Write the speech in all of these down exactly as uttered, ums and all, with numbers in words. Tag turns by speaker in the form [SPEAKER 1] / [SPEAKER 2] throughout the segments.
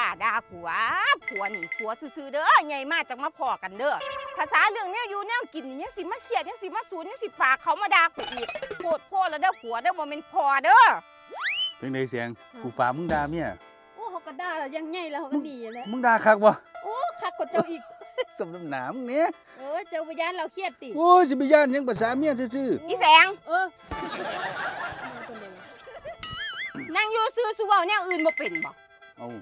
[SPEAKER 1] าด่าผัวผัวนี่ผัวซื่อๆเด้อใหญ่มากจังมาพอกันเด้อภาษาเรื่องแนวอยู่แนวกินนี่ยังสิมาเครียดยังสิมาสูนยังสิฝากเขามาด่ากูอีกโพดโพดแล้วเด้อผัวเด้อบ่แม่นพอเด้อ
[SPEAKER 2] เป็นไงเสียงกูฝากมึงด่าเมีย
[SPEAKER 3] โอ้เขาก็ด่าแล้วยังไงแล้วเขาก็ดีแล้ว
[SPEAKER 2] มึงด่าคักบ่
[SPEAKER 3] โอ้คักกว่าเจ้าอีก
[SPEAKER 2] สมน้ำหนามึงเนี่ย
[SPEAKER 3] เออเจ้าพยานเราเครียดติ
[SPEAKER 2] โอ้ยสิไปย่านยังภาษาเมียซื่อ
[SPEAKER 1] อีแสง
[SPEAKER 3] เออ
[SPEAKER 1] นั่งอยู่ซื่อๆเว้าแนวอื่นบ่เป็นบ่
[SPEAKER 2] เอ้า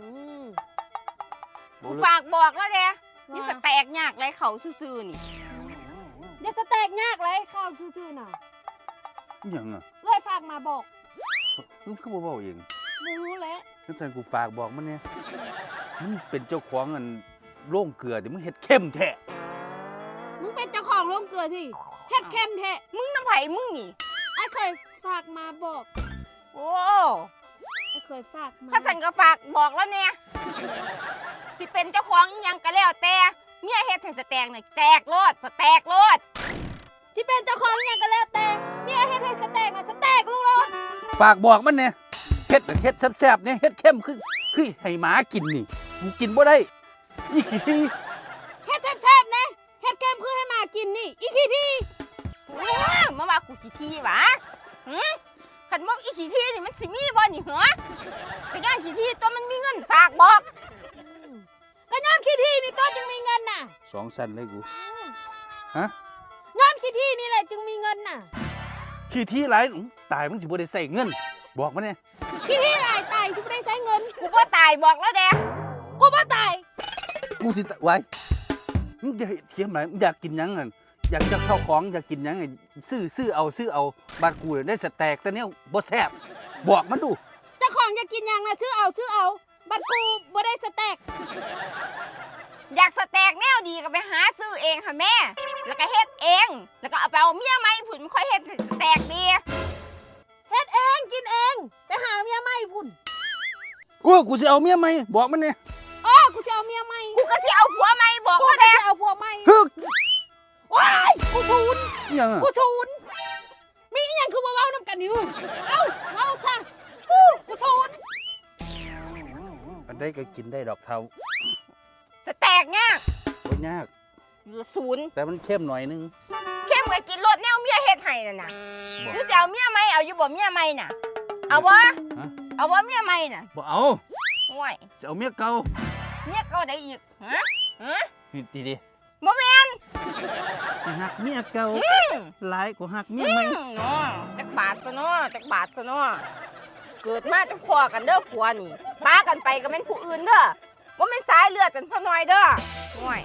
[SPEAKER 1] กูฝากบอกแล้วเด้นี่สแตกยากไรเขาซื่อๆนี่
[SPEAKER 3] เดี๋ยวสแตกยากไรข้าวซื่อๆน่ะ
[SPEAKER 2] หยังอ่ะ
[SPEAKER 3] เอ้ยฝากมาบอก
[SPEAKER 2] มึงคือบ่เว้าเอง
[SPEAKER 3] รู้แล้ว
[SPEAKER 2] งั้นฉันกูฝากบอกมันเนี่ยมึงเป็นเจ้าของอันโรงเกลือเดี๋ยวมึงเฮ็ดเข้มแท้
[SPEAKER 3] มึงเป็นเจ้าของโรงเกลือที่เฮ็ดเข้มแท้
[SPEAKER 1] มึงน้ำไผมึงนี่
[SPEAKER 3] ไอ้เคยฝากมาบอก
[SPEAKER 1] โอ้
[SPEAKER 3] ไอ้เคยฝากมา
[SPEAKER 1] ข้าสันก็ฝากบอกแล้วเนี่ยสิเป็นเจ้าของอีหยังก็แล้วแต่เมียเฮ็ดให้สแตกน่ะแตกโลดสแตกโลด
[SPEAKER 3] ที่เป็นเจ้าของอีหยังก็แล้วแต่เมียเฮ็ดให้สแตกน่ะสแตกลูกโลด
[SPEAKER 2] ฝากบอกมันเนี่ยเฮ็ดเฮ็ดแซ่บๆเนี่ยเฮ็ดเข้มคือคือให้หมากินนี่กูกินบ่ได้อีขี้ที
[SPEAKER 3] เฮ็ดแซ่บๆนะเฮ็ดเข้มคือให้หมากินนี่อีขี้ที
[SPEAKER 1] มาว่ากูขี้ทีหวะหือขันบอกอีขี้ทีนี่มันสิมีบ่นี่เหรอไปย่างขี้ทีตัวมันมีเงินฝากบอก
[SPEAKER 3] ก็ย้อนขี้ทีนี่ตัวจึงมีเงินน่ะ
[SPEAKER 2] สองสั้นเลยกูฮะ
[SPEAKER 3] ย้อนขี้ทีนี่แหละจึงมีเงินน่ะ
[SPEAKER 2] ขี้ทีหลายตายมึงสิบ่ได้ใส่เงินบอกมาเนี่ย
[SPEAKER 3] ขี้ทีหลายตายสิบ่ได้ใช้เงิน
[SPEAKER 1] กูบ่ตายบอกแล้วแด
[SPEAKER 3] กูบ่ตาย
[SPEAKER 2] กูสิไว้มึงจะเทียมไหนมึงอยากกินยังไงอยากจะเข้าของอยากกินยังไงซื้อซื้อเอาซื้อเอาบาดกูได้สแต็กแต่เนี้ยบ่แซ่บบอกมันดู
[SPEAKER 3] เจ้าของอยากกินยังนะซื้อเอาซื้อเอาบัดกูบ่ได้สแต็ก
[SPEAKER 1] อยากสแต็กแนวดีก็ไปหาซื้อเองค่ะแม่แล้วก็เฮ็ดเองแล้วก็เอาไปเอาเมียใหม่ผุ่นมันค่อยเฮ็ดสแต็กดี
[SPEAKER 3] เฮ็ดเองกินเองไปหาเมียใหม่พุ่น
[SPEAKER 2] กูกูสิเอาเมียใหม่บอกมันเนี่ย
[SPEAKER 3] อ๋อกูจะเอาเมียใหม่
[SPEAKER 1] กูก็สิเอาผัวใหม่บอก
[SPEAKER 3] ว่าแดกูจะเอาผัวใหม่
[SPEAKER 2] ฮึก
[SPEAKER 3] ว้ายกูชูน
[SPEAKER 2] ยัง
[SPEAKER 3] กูชูนมีอีหยังคือมาเว้านำกันอยู่เอ้าเว้าซะกูชูน
[SPEAKER 2] มันได้ก็กินได้ดอกเทา
[SPEAKER 1] สแต็กยาก
[SPEAKER 2] บ่ยาก
[SPEAKER 1] เหลือศูนย์
[SPEAKER 2] แต่มันเข้มหน่อยนึง
[SPEAKER 1] เข้มกว่ากินรสแนวเมียเฮ็ดให้นั่นน่ะหรือสิเอาเมียใหม่เอาอยู่บ่เมียใหม่น่ะเอาบ่เอาบ่เมียใหม่น่ะ
[SPEAKER 2] บ่เอา
[SPEAKER 1] โอ้ย
[SPEAKER 2] จะเอาเมียเก่า
[SPEAKER 1] เมียเก่าได้อีกฮะฮะ
[SPEAKER 2] ดีดี
[SPEAKER 1] บ่แม่น
[SPEAKER 2] หักเมียเก่าหลายกว่าหักเมียใหม่
[SPEAKER 1] เนาะจักบาทซะเนาะจักบาทซะเนาะเกิดมาจะพอกันเด้อผัวนี่ป้ากันไปก็เป็นผู้อื่นเด้อบ่แม่นสายเลือดเป็นพ่อน้อยเด้อโอ้ย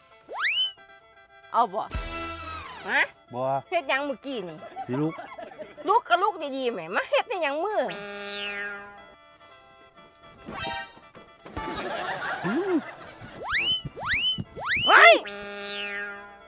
[SPEAKER 1] เอาบ่ฮะ
[SPEAKER 2] บ่
[SPEAKER 1] เฮ็ดหยังเมื่อกี้นี่
[SPEAKER 2] สิลูก
[SPEAKER 1] ลูกกับลูกดีๆแหมมาเฮ็ดได้หยังมือ